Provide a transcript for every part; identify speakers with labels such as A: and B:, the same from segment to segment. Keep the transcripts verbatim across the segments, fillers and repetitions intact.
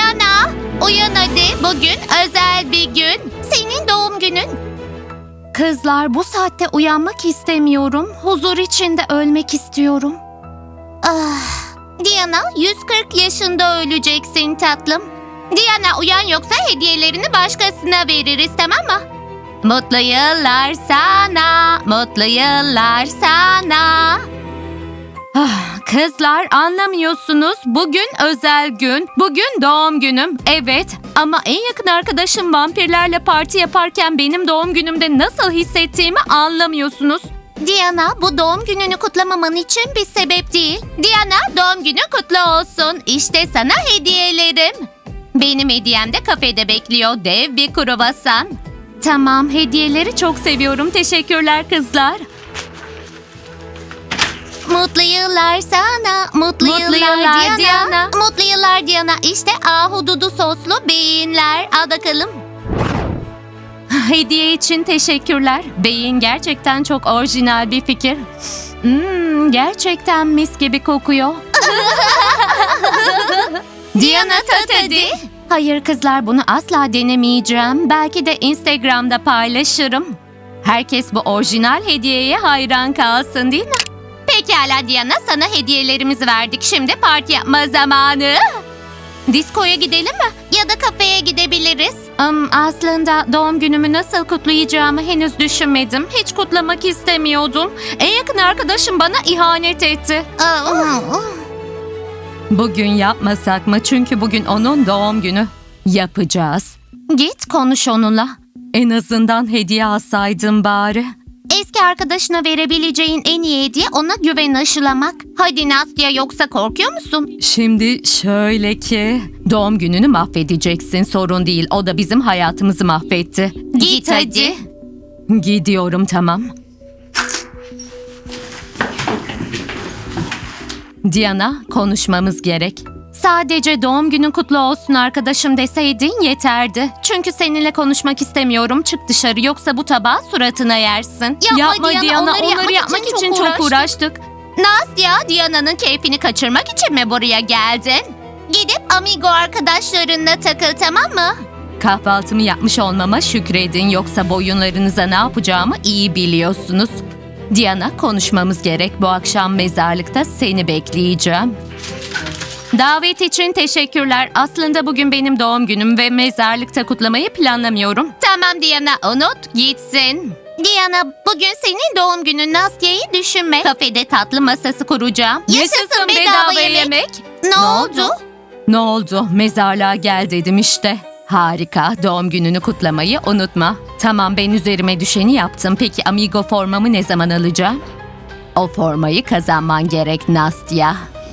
A: Diana, uyan hadi. Bugün özel bir gün. Senin doğum günün. Kızlar, bu saatte uyanmak istemiyorum. Huzur içinde ölmek istiyorum. Ah, Diana, yüz kırk yaşında öleceksin tatlım. Diana, uyan yoksa hediyelerini başkasına veririz, tamam mı? Mutlu yıllar sana, mutlu yıllar sana. Ah, kızlar, anlamıyorsunuz. Bugün özel gün. Bugün doğum günüm. Evet, ama en yakın arkadaşım vampirlerle parti yaparken benim doğum günümde nasıl hissettiğimi anlamıyorsunuz. Diana, bu doğum gününü kutlamaman için bir sebep değil. Diana, doğum günü kutlu olsun. İşte sana hediyelerim. Benim hediyem de kafede bekliyor. Dev bir kruvasan. Tamam, hediyeleri çok seviyorum. Teşekkürler kızlar. Mutlu yıllar sana, mutlu, mutlu yıllar, yıllar Diana. Diana. Mutlu yıllar Diana. İşte ahududu soslu beyinler. Al bakalım. Hediye için teşekkürler. Beyin gerçekten çok orijinal bir fikir. Hmm, gerçekten mis gibi kokuyor. Diana, tat hadi. Hayır kızlar, bunu asla denemeyeceğim. Belki de Instagram'da paylaşırım. Herkes bu orijinal hediyeye hayran kalsın, değil mi? Pekala Diana, sana hediyelerimizi verdik. Şimdi parti yapma zamanı. Diskoya gidelim mi? Ya da kafeye gidebiliriz. Um, aslında doğum günümü nasıl kutlayacağımı henüz düşünmedim. Hiç kutlamak istemiyordum. En yakın arkadaşım bana ihanet etti. Bugün yapmasak mı? Çünkü bugün onun doğum günü. Yapacağız. Git konuş onunla. En azından hediye alsaydım bari. Eski arkadaşına verebileceğin en iyi hediye ona güven aşılamak. Hadi Nastya, yoksa korkuyor musun? Şimdi şöyle ki, doğum gününü mahvedeceksin, sorun değil. O da bizim hayatımızı mahvetti. Git, Git hadi. hadi. Gidiyorum, tamam. Diana, konuşmamız gerek. Sadece doğum günün kutlu olsun arkadaşım deseydin yeterdi. Çünkü seninle konuşmak istemiyorum. Çık dışarı, yoksa bu tabağı suratına yersin. Yapma, Yapma Diana, Diana, onları, onları yapmak, yapmak için, için çok uğraştık. uğraştık. Nastya, Diana'nın keyfini kaçırmak için mi buraya geldin? Gidip amigo arkadaşlarınla takıl, tamam mı? Kahvaltımı yapmış olmama şükredin, yoksa boyunlarınıza ne yapacağımı iyi biliyorsunuz. Diana, konuşmamız gerek. Bu akşam mezarlıkta seni bekleyeceğim. Davet için teşekkürler. Aslında bugün benim doğum günüm ve mezarlıkta kutlamayı planlamıyorum. Tamam Diana, unut gitsin. Diana, bugün senin doğum günün. Nastya'yı düşünme. Kafede tatlı masası kuracağım. Yaşasın bedava, bedava yemek. yemek. Ne, ne oldu? oldu? Ne oldu? Mezarlığa gel dedim işte. Harika. Doğum gününü kutlamayı unutma. Tamam, ben üzerime düşeni yaptım. Peki amigo formamı ne zaman alacağım? O formayı kazanman gerek Nastya.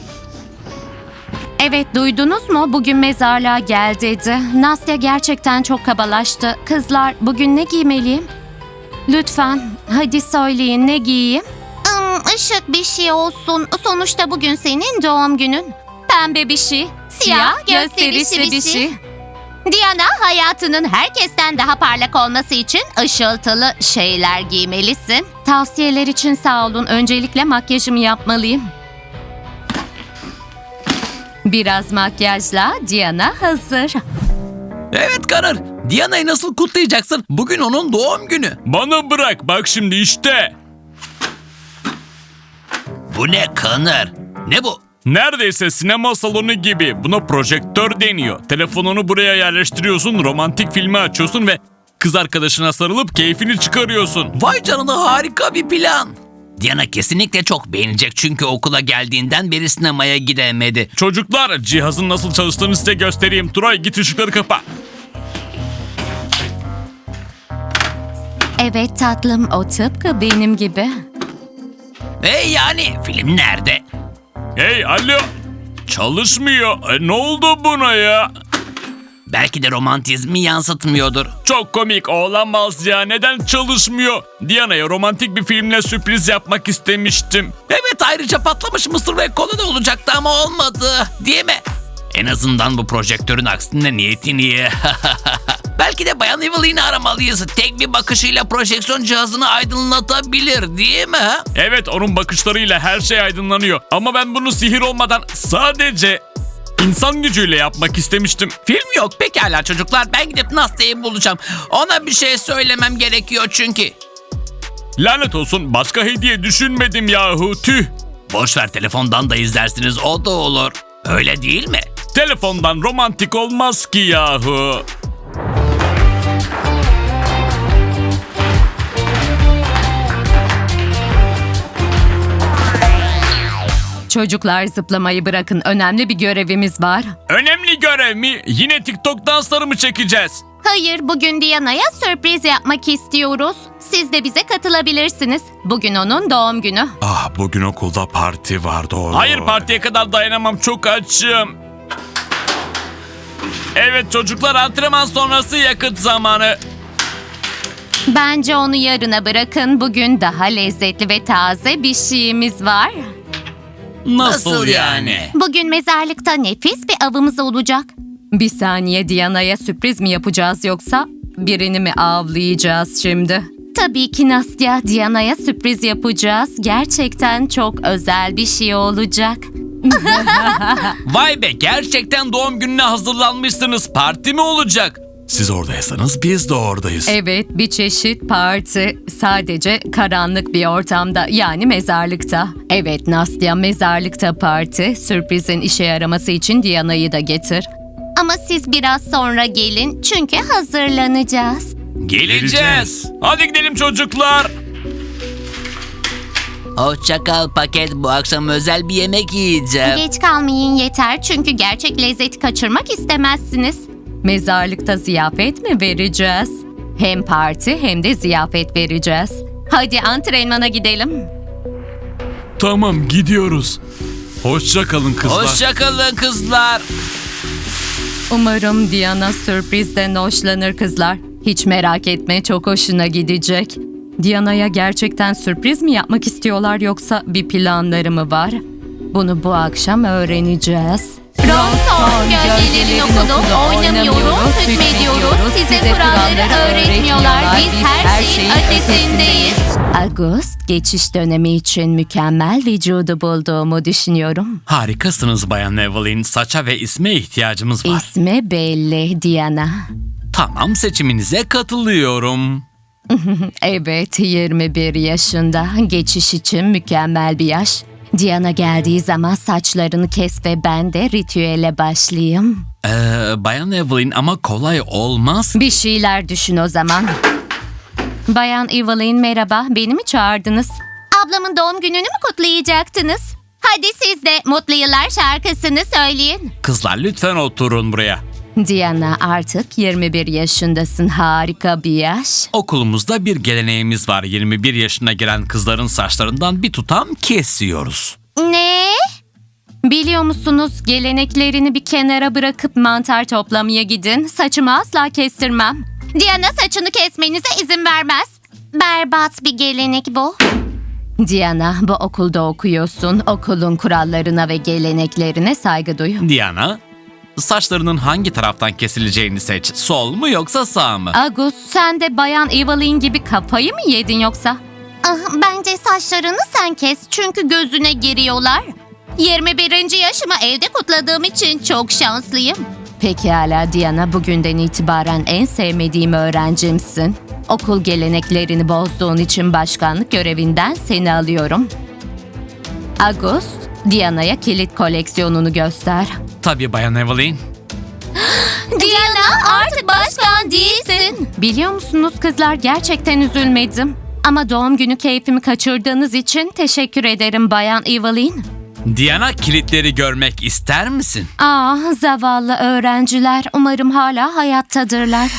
A: Evet, duydunuz mu? Bugün mezarlığa gel dedi. Nastya gerçekten çok kabalaştı. Kızlar, bugün ne giymeliyim? Lütfen, hadi söyleyin, ne giyeyim? Hmm, ışık bir şey olsun. Sonuçta bugün senin doğum günün. Pembe bir şey. Siyah, gösterişli bir şey. Diana, hayatının herkesten daha parlak olması için ışıltılı şeyler giymelisin. Tavsiyeler için sağ olun. Öncelikle makyajımı yapmalıyım. Biraz makyajla Diana hazır.
B: Evet Karar. Diana'yı nasıl kutlayacaksın? Bugün onun doğum günü.
C: Bana bırak, bak şimdi işte.
B: Bu ne Kanar? Ne bu?
C: Neredeyse sinema salonu gibi. Buna projektör deniyor. Telefonunu buraya yerleştiriyorsun, romantik filmi açıyorsun ve kız arkadaşına sarılıp keyfini çıkarıyorsun.
B: Vay canına, harika bir plan. Diana kesinlikle çok beğenecek çünkü okula geldiğinden beri sinemaya gidemedi.
C: Çocuklar, cihazın nasıl çalıştığını size göstereyim. Turay, git ışıkları kapa.
A: Evet tatlım, o tıpkı benim gibi.
B: Ve yani film nerede?
C: Hey, alo. Çalışmıyor. E, ne oldu buna ya?
B: Belki de romantizmi yansıtmıyordur.
C: Çok komik, olamaz ya. Neden çalışmıyor? Diana'ya romantik bir filmle sürpriz yapmak istemiştim.
B: Evet, ayrıca patlamış mısır ve kola da olacaktı ama olmadı. Değil mi? En azından bu projektörün aksine niyetin iyi. Belki de Bayan Evelyn'i aramalıyız. Tek bir bakışıyla projeksiyon cihazını aydınlatabilir, değil mi?
C: Evet, onun bakışlarıyla her şey aydınlanıyor. Ama ben bunu sihir olmadan sadece İnsan gücüyle yapmak istemiştim.
B: Film yok. Pekala çocuklar, ben gidip Nastya'yı bulacağım. Ona bir şey söylemem gerekiyor çünkü.
C: Lanet olsun, başka hediye düşünmedim yahu, tüh.
B: Boşver, telefondan da izlersiniz, o da olur. Öyle değil mi?
C: Telefondan romantik olmaz ki yahu.
A: Çocuklar zıplamayı bırakın. Önemli bir görevimiz var.
C: Önemli görev mi? Yine TikTok dansları mı çekeceğiz?
A: Hayır, bugün Diana'ya sürpriz yapmak istiyoruz. Siz de bize katılabilirsiniz. Bugün onun doğum günü.
D: Ah, bugün okulda parti var, doğru.
C: Hayır, partiye kadar dayanamam, çok açım. Evet çocuklar, antrenman sonrası yakıt zamanı.
A: Bence onu yarına bırakın. Bugün daha lezzetli ve taze bir şeyimiz var.
B: Nasıl yani?
A: Bugün mezarlıkta nefis bir avımız olacak. Bir saniye, Diana'ya sürpriz mi yapacağız yoksa birini mi avlayacağız şimdi? Tabii ki Nastya, Diana'ya sürpriz yapacağız. Gerçekten çok özel bir şey olacak.
C: Vay be, gerçekten doğum gününe hazırlanmışsınız. Parti mi olacak?
D: Siz oradaysanız biz de oradayız.
A: Evet, bir çeşit parti. Sadece karanlık bir ortamda, yani mezarlıkta. Evet Nastya, mezarlıkta parti. Sürprizin işe yaraması için Diana'yı da getir. Ama siz biraz sonra gelin çünkü hazırlanacağız.
C: Geleceğiz. Hadi gidelim çocuklar.
B: Hoşça kal paket, bu akşam özel bir yemek yiyeceğim.
A: Geç kalmayın yeter çünkü gerçek lezzeti kaçırmak istemezsiniz. Mezarlıkta ziyafet mi vereceğiz? Hem parti hem de ziyafet vereceğiz. Hadi antrenmana gidelim.
D: Tamam, gidiyoruz. Hoşça kalın kızlar.
B: Hoşça kalın kızlar.
A: Umarım Diana sürprizden hoşlanır kızlar. Hiç merak etme, çok hoşuna gidecek. Diana'ya gerçekten sürpriz mi yapmak istiyorlar yoksa bir planları mı var? Bunu bu akşam öğreneceğiz.
E: Ronson gölgelerin okulu oynamıyoruz, hükmediyoruz. Size kuralları öğretmiyorlar. Biz her şeyin ötesindeyiz.
A: Ağustos geçiş dönemi için mükemmel vücudu bulduğumu düşünüyorum.
C: Harikasınız Bayan Evelyn. Saça ve isme ihtiyacımız var.
A: İsmi belli, Diana.
C: Tamam, seçiminize katılıyorum.
A: Evet, yirmi bir yaşında. Geçiş için mükemmel bir yaş. Diana geldiği zaman saçlarını kes ve ben de ritüele başlayayım.
C: Ee, Bayan Evelyn, ama kolay olmaz.
A: Bir şeyler düşün o zaman. Bayan Evelyn merhaba, beni mi çağırdınız?
E: Ablamın doğum gününü mü kutlayacaktınız? Hadi siz de mutlu yıllar şarkısını söyleyin.
C: Kızlar lütfen oturun buraya.
A: Diana, artık yirmi bir yaşındasın, harika bir yaş.
C: Okulumuzda bir geleneğimiz var. yirmi bir yaşına gelen kızların saçlarından bir tutam kesiyoruz.
E: Ne?
A: Biliyor musunuz, geleneklerini bir kenara bırakıp mantar toplamaya gidin. Saçımı asla kestirmem.
E: Diana saçını kesmenize izin vermez. Berbat bir gelenek bu.
A: Diana, bu okulda okuyorsun. Okulun kurallarına ve geleneklerine saygı duy.
C: Diana, saçlarının hangi taraftan kesileceğini seç. Sol mu yoksa sağ mı?
A: Agus, sen de Bayan Evelyn gibi kafayı mı yedin yoksa?
E: Ah, bence saçlarını sen kes çünkü gözüne giriyorlar. yirmi birinci yaşımı evde kutladığım için çok şanslıyım.
A: Pekala Diana, bugünden itibaren en sevmediğim öğrencimsin. Okul geleneklerini bozduğun için başkanlık görevinden seni alıyorum. Agus, Diana'ya kilit koleksiyonunu göster.
C: Tabii Bayan Evelyn.
E: Diana artık başkan değilsin.
A: Biliyor musunuz kızlar, gerçekten üzülmedim. Ama doğum günü keyfimi kaçırdığınız için teşekkür ederim Bayan Evelyn.
C: Diana, kilitleri görmek ister misin?
A: Ah, zavallı öğrenciler, umarım hala hayattadırlar.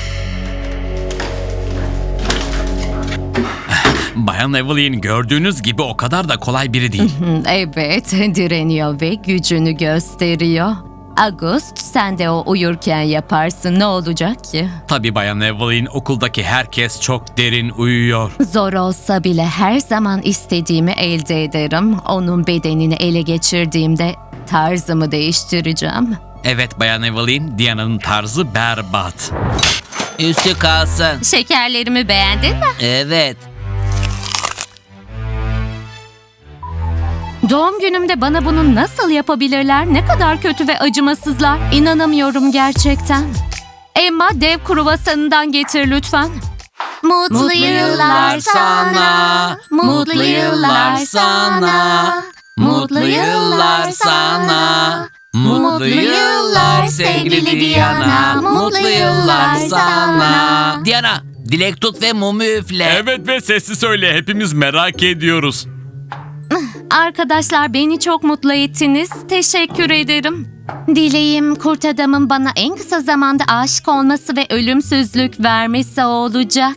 C: Bayan Evelyn, gördüğünüz gibi o kadar da kolay biri değil.
A: Evet, direniyor ve gücünü gösteriyor. August, sen de o uyurken yaparsın, ne olacak ki?
C: Tabii Bayan Evelyn, okuldaki herkes çok derin uyuyor.
A: Zor olsa bile her zaman istediğimi elde ederim. Onun bedenini ele geçirdiğimde tarzımı değiştireceğim.
C: Evet Bayan Evelyn, Diana'nın tarzı berbat.
B: Üstü kalsın.
A: Şekerlerimi beğendin mi?
B: Evet.
A: Doğum günümde bana bunu nasıl yapabilirler? Ne kadar kötü ve acımasızlar. İnanamıyorum gerçekten. Emma, dev kruvasanından getir lütfen.
E: Mutlu yıllar sana. Mutlu yıllar sana. Mutlu yıllar sana. Mutlu yıllar sevgili Diana. Mutlu yıllar sana.
B: Diana, dilek tut ve mumu üfle.
C: Evet ve sesli söyle, hepimiz merak ediyoruz.
A: Arkadaşlar, beni çok mutlu ettiniz. Teşekkür ederim. Dileğim kurt adamın bana en kısa zamanda aşık olması ve ölümsüzlük vermesi olacak.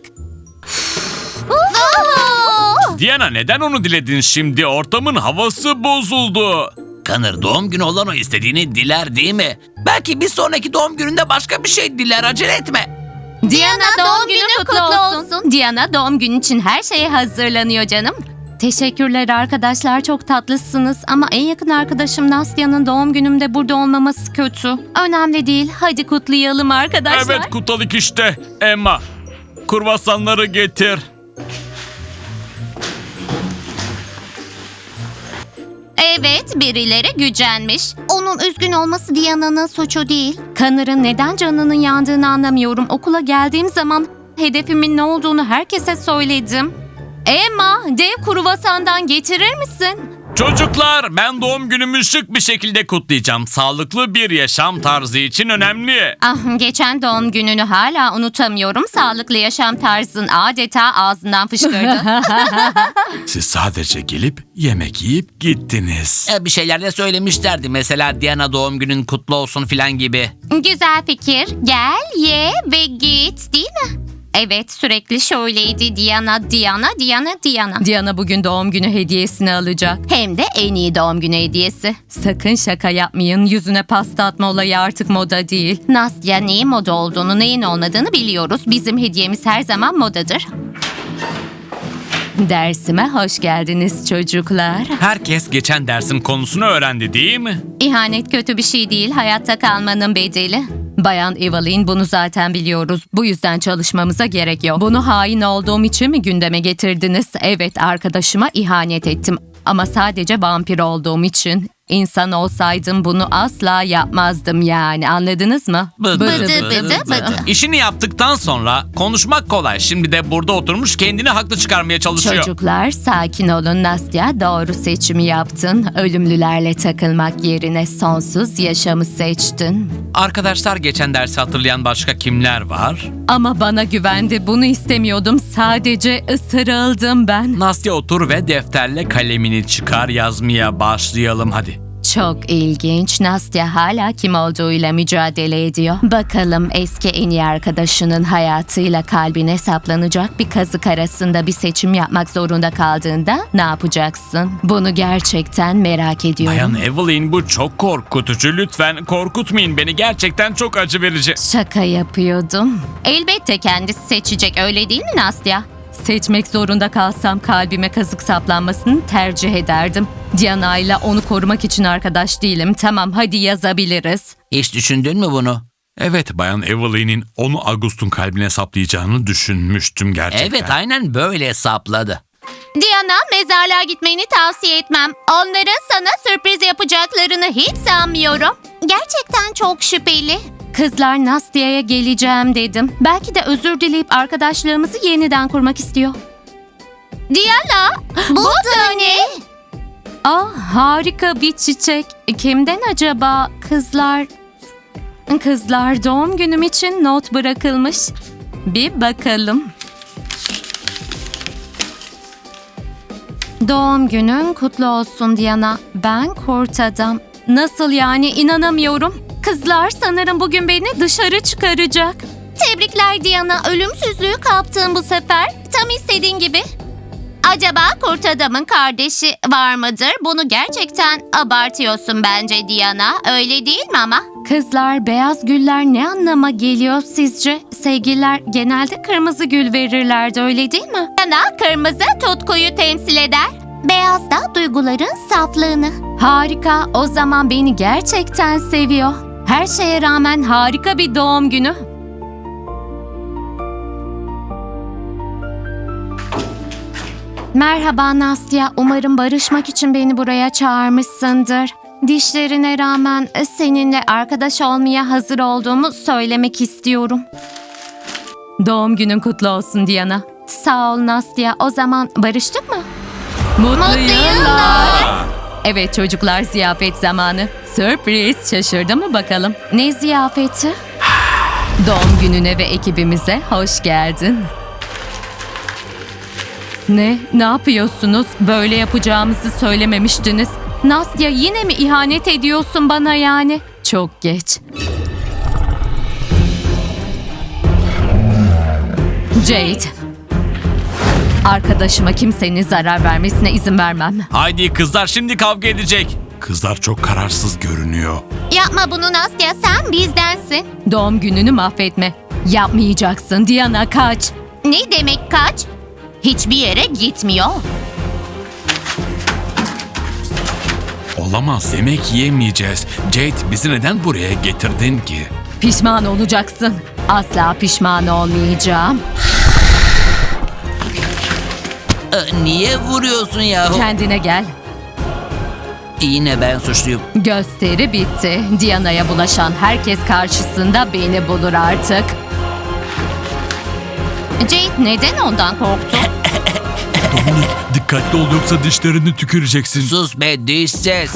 C: Diana, neden onu diledin şimdi? Ortamın havası bozuldu.
B: Connor, doğum günü olan o istediğini diler değil mi? Belki bir sonraki doğum gününde başka bir şey diler, acele etme.
A: Diana, doğum günü kutlu olsun. Diana, doğum günü için her şeye hazırlanıyor canım. Teşekkürler arkadaşlar, çok tatlısınız ama en yakın arkadaşım Nastya'nın doğum günümde burada olmaması kötü. Önemli değil, hadi kutlayalım arkadaşlar.
C: Evet, kutladık işte. Emma, kruvasanları getir.
E: Evet, birileri gücenmiş. Onun üzgün olması Diana'nın suçu değil.
A: Connor'ın neden canının yandığını anlamıyorum. Okula geldiğim zaman hedefimin ne olduğunu herkese söyledim. Emma, dev kruvasandan getirir misin?
C: Çocuklar, ben doğum günümü şık bir şekilde kutlayacağım. Sağlıklı bir yaşam tarzı için önemli.
A: Ah, geçen doğum gününü hala unutamıyorum. Sağlıklı yaşam tarzın adeta ağzından fışkırdı.
D: Siz sadece gelip yemek yiyip gittiniz.
B: E, bir şeyler de söylemişlerdi. Mesela Diana doğum günün kutlu olsun filan gibi.
E: Güzel fikir. Gel, ye ve git, değil mi?
A: Evet, sürekli şöyleydi. Diana, Diana, Diana, Diana. Diana bugün doğum günü hediyesini alacak. Hem de en iyi doğum günü hediyesi. Sakın şaka yapmayın. Yüzüne pasta atma olayı artık moda değil. Nastya, neyin moda olduğunu, neyin olmadığını biliyoruz. Bizim hediyemiz her zaman modadır. Dersime hoş geldiniz çocuklar.
C: Herkes geçen dersin konusunu öğrendi değil mi?
A: İhanet kötü bir şey değil, hayatta kalmanın bedeli. Bayan Evelyn, bunu zaten biliyoruz. Bu yüzden çalışmamıza gerek yok. Bunu hain olduğum için mi gündeme getirdiniz? Evet, arkadaşıma ihanet ettim. Ama sadece vampir olduğum için. İnsan olsaydım bunu asla yapmazdım yani, anladınız mı?
B: Bıdı
E: bıdı bıdı bıdı.
C: İşini yaptıktan sonra konuşmak kolay. Şimdi de burada oturmuş kendini haklı çıkarmaya çalışıyor.
A: Çocuklar, sakin olun. Nastya, doğru seçimi yaptın. Ölümlülerle takılmak yerine sonsuz yaşamı seçtin.
C: Arkadaşlar, geçen dersi hatırlayan başka kimler var?
A: Ama bana güvendi. Bunu istemiyordum. Sadece ısırıldım ben.
C: Nastya, otur ve defterle kalemini çıkar, yazmaya başlayalım hadi.
A: Çok ilginç. Nastya hala kim olduğuyla mücadele ediyor. Bakalım eski en iyi arkadaşının hayatıyla kalbine saplanacak bir kazık arasında bir seçim yapmak zorunda kaldığında ne yapacaksın? Bunu gerçekten merak ediyorum.
C: Bayan Evelyn, bu çok korkutucu. Lütfen korkutmayın beni. Gerçekten çok acı verici.
A: Şaka yapıyordum. Elbette kendisi seçecek, öyle değil mi Nastya? Seçmek zorunda kalsam kalbime kazık saplanmasını tercih ederdim. Diana ile onu korumak için arkadaş değilim. Tamam, hadi yazabiliriz.
B: Hiç düşündün mü bunu?
D: Evet, Bayan Evelyn'in onu August'un kalbine saplayacağını düşünmüştüm gerçekten.
B: Evet, aynen böyle hesapladı.
E: Diana, mezarlığa gitmeni tavsiye etmem. Onların sana sürpriz yapacaklarını hiç sanmıyorum. Gerçekten çok şüpheli.
A: Kızlar, Nastya'ya geleceğim dedim. Belki de özür dileyip arkadaşlığımızı yeniden kurmak istiyor.
E: Diana, bu da ne?
A: Ah, harika bir çiçek. Kimden acaba? Kızlar... Kızlar, doğum günüm için not bırakılmış. Bir bakalım. Doğum günün kutlu olsun Diana. Ben kurt adam. Nasıl yani, inanamıyorum. Kızlar, sanırım bugün beni dışarı çıkaracak.
E: Tebrikler Diana, ölümsüzlüğü kaptın bu sefer. Tam istediğin gibi. Acaba kurt adamın kardeşi var mıdır? Bunu gerçekten abartıyorsun bence Diana. Öyle değil mi ama?
A: Kızlar, beyaz güller ne anlama geliyor sizce? Sevgililer genelde kırmızı gül verirlerdi, öyle değil mi?
E: Diana, kırmızı tutkuyu temsil eder. Beyaz da duyguların saflığını.
A: Harika, o zaman beni gerçekten seviyor. Her şeye rağmen harika bir doğum günü. Merhaba Nastya, umarım barışmak için beni buraya çağırmışsındır. Dişlerine rağmen seninle arkadaş olmaya hazır olduğumu söylemek istiyorum. Doğum günün kutlu olsun Diana. Sağ ol Nastya, o zaman barıştık mı? Mutlu,
E: Mutlu yıllar.
A: Evet çocuklar, ziyafet zamanı. Sürpriz, şaşırdı mı bakalım? Ne ziyafeti? Doğum gününe ve ekibimize hoş geldin. Ne? Ne yapıyorsunuz? Böyle yapacağımızı söylememiştiniz. Nastya, yine mi ihanet ediyorsun bana yani? Çok geç. Jade. Arkadaşıma kimsenin zarar vermesine izin vermem.
C: Haydi kızlar, şimdi kavga edecek.
D: Kızlar çok kararsız görünüyor.
E: Yapma bunu Nastya, sen bizdensin.
A: Doğum gününü mahvetme. Yapmayacaksın. Diana, kaç.
E: Ne demek kaç? Hiçbir yere gitmiyor.
D: Olamaz, yemek yiyemeyeceğiz. Jade, bizi neden buraya getirdin ki?
A: Pişman olacaksın. Asla pişman olmayacağım.
B: Ee, niye vuruyorsun yahu?
A: Kendine gel.
B: Yine ben suçluyum.
A: Gösteri bitti. Diana'ya bulaşan herkes karşısında beni bulur artık.
E: Jade neden ondan korktu?
D: Dominik, dikkatli ol yoksa dişlerini tüküreceksin.
B: Sus be dişsiz.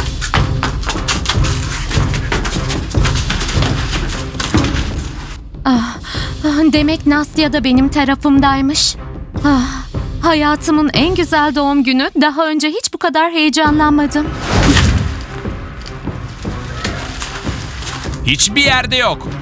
A: Ah, demek Nastya da benim tarafımdaymış. Ah, hayatımın en güzel doğum günü. Daha önce hiç bu kadar heyecanlanmadım.
C: Hiçbir yerde yok.